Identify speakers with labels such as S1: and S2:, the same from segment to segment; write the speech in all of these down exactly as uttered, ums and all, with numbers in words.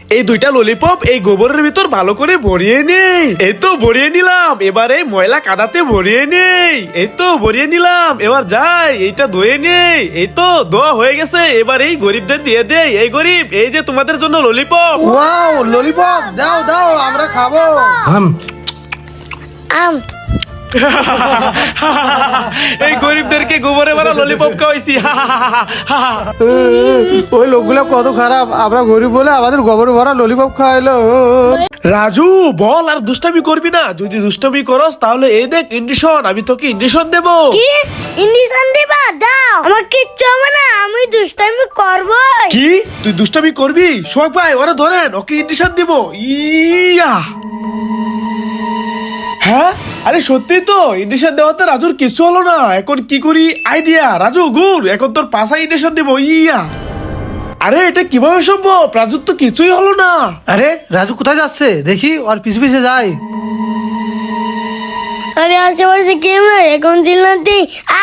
S1: এই দুইটা ললিপপ এই গোবরের ভিতর ভালো করে ভরিয়ে নেই। এই তো ভরিয়ে নিলাম, এবার এই ময়লা কাদাতে ভরিয়ে নেই। এই তো ভরিয়ে নিলাম, এবার যাই এইটা ধুয়ে নেই। এই তো ধোয়া হয়ে গেছে, এবার এই গরিবদের দিয়ে দেই। এই গরিব, এই যে তোমাদের জন্য ললিপপ।
S2: ওয়াও, ললিপপ দাও দাও, আমরা খাবো।
S3: আম
S4: আম
S1: এই গরিবদেরকে গোবরে ভরা ললিপপ খাওয়াইছি।
S2: ওই লোকগুলো কত খারাপ, আমরা গরিব বলে আমাদের গোবর ভরা ললিপপ খাওয়াইলো।
S1: রাজু বল, আর দুষ্টামি করবি না। যদি দুষ্টামি করস তাহলে এই দেখ ইন্ডিশন, আমি তোকে ইন্ডিশন দেবো।
S4: কি ইন্ডিশন দিবা? দাও, আমার কিচ্ছু হবে না, আমি দুষ্টামি করবো।
S1: কি তুই দুষ্টামি করবি? সোহাগ ভাই ওরা ধরেন, ওকে ইন্ডিশন দিব। ইয়া হ্যাঁ, আরে সত্যি তো ইন্ডিশন দেওয়াতে রাজুর কিছু হলো না। এখন কি করি? আইডিয়া। রাজু গুড়, এখন তোর পাশা ইন্ডিশন দিব। ইয়া আরে এটা কিভাবে সম্ভব? রাজুর তো কিছুই হলো না।
S2: আরে রাজু কোথায় যাচ্ছে দেখি, ওর পিছে পিছে যাই।
S4: আরে আশেপাশে কেউ নাই, এখন চিল্লাতে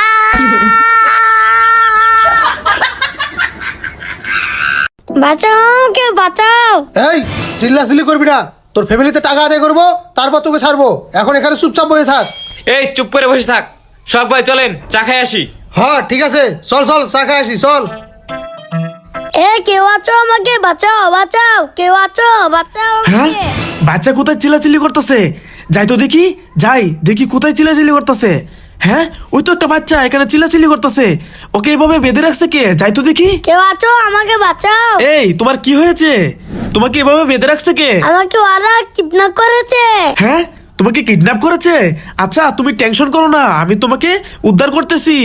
S4: বাঁচাও, কেউ বাঁচাও।
S2: এই চিল্লাচিল্লি করবি না, তোর ফ্যামিলিতে টাকা আদায় করবো, তারপর তোকে ছাড়বো। এখন এখানে চুপচাপ বসে থাক।
S5: এই চুপ করে বসে থাক। সব ভাই চলেন চা খাই আসি।
S2: হ্যাঁ ঠিক আছে, চল চল চা খাই আসি, চল।
S4: এ কেউ আছো, আমাকে বাঁচাও, বাঁচাও, কেউ আছো, বাঁচাও
S1: হ্যাঁ,
S4: আমাকে।
S1: বাচ্চা কোথায় চিল্লাচিল্লি করতেছে? যাই তো দেখি, যাই দেখি কোথায় চিল্লাচিল্লি করতেছে। হ্যাঁ, ওই তো একটা বাচ্চা এখানে চিল্লাচিল্লি করতেছে। ওকে এভাবে বেঁধে রাখছে কে? যাই তো দেখি।
S4: কেউ আছো, আমাকে বাঁচাও।
S1: এই তোমার কি হয়েছে? তোমাকে এভাবে বেঁধে রাখছে কে?
S4: আমাকে ওরা কিডন্যাপ করেছে।
S1: হ্যাঁ, তোমাকে কিডন্যাপ করেছে? আচ্ছা তুমি টেনশন করো না, আমি তোমাকে উদ্ধার করতেছি।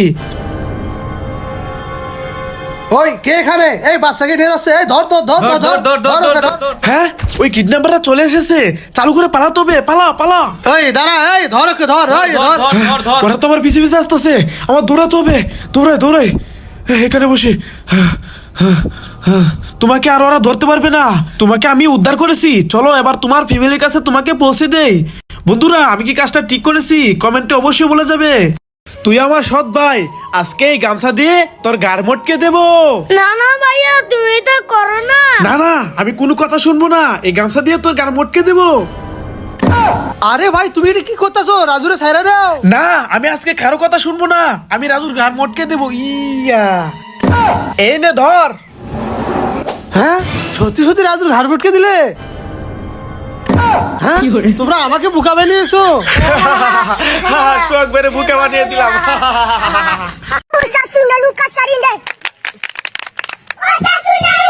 S2: ওই কে এখানে? এই বাচ্চাকে নিয়ে যাচ্ছে, এই ধর ধর ধর ধর
S5: ধর, ধর, ধর,
S2: ধর
S5: ধর,
S2: ওকে,
S5: ধর, ধর।
S1: হ্যাঁ, ওই কিডন্যাপাররা চলে এসেছে। চালু করে পালাতে হবে, পালা পালা।
S2: এই দাঁড়া, এই ধর ওকে, ধর এই
S5: ধর,
S2: ধর।
S5: ধর, ধর, ধর।
S1: ওরা তো আমার পিছে পিছে আসতেছে, আমার দৌড়াতে হবে। দৌড়াই দৌড়াই, এখানে বসে। তোমাকে আর ওরা ধরতে পারবে না, তোমাকে আমি উদ্ধার করেছি। চলো এবার তোমার ফ্যামিলির কাছে তোমাকে পৌঁছে দেই। বন্ধুরা, আমি কি কাজটা ঠিক করেছি কমেন্টে অবশ্যই বলে যাবে। তুই আমার সৎ ভাই, আজকে এই গামছা দিয়ে তোর গাড় মটকে দেবো।
S4: না না ভাইয়া, তুমি তো করো না।
S1: না না, আমি কোনো কথা শুনবো না। এই গামছা দিয়ে তোর গাড় মটকে দেবো।
S2: আরে ভাই তুমি এটা কি করতেছো? রাজুরে ছাইরা দাও।
S1: না, আমি আজকে কারো কথা শুনবো না। আমি রাজুর গাড় মটকে দেবো। ইয়া এই নে ধর।
S2: হ্যাঁ, সত্যি সত্যি রাজুর ঘাড় ভটকে দিলে? হ্যাঁ, তোমরা আমাকে বোকা বানিয়েছো।
S1: শোক বেড়ে বুকে বানিয়ে দিলাম।
S4: Usa suna luka sarinde. Usa suna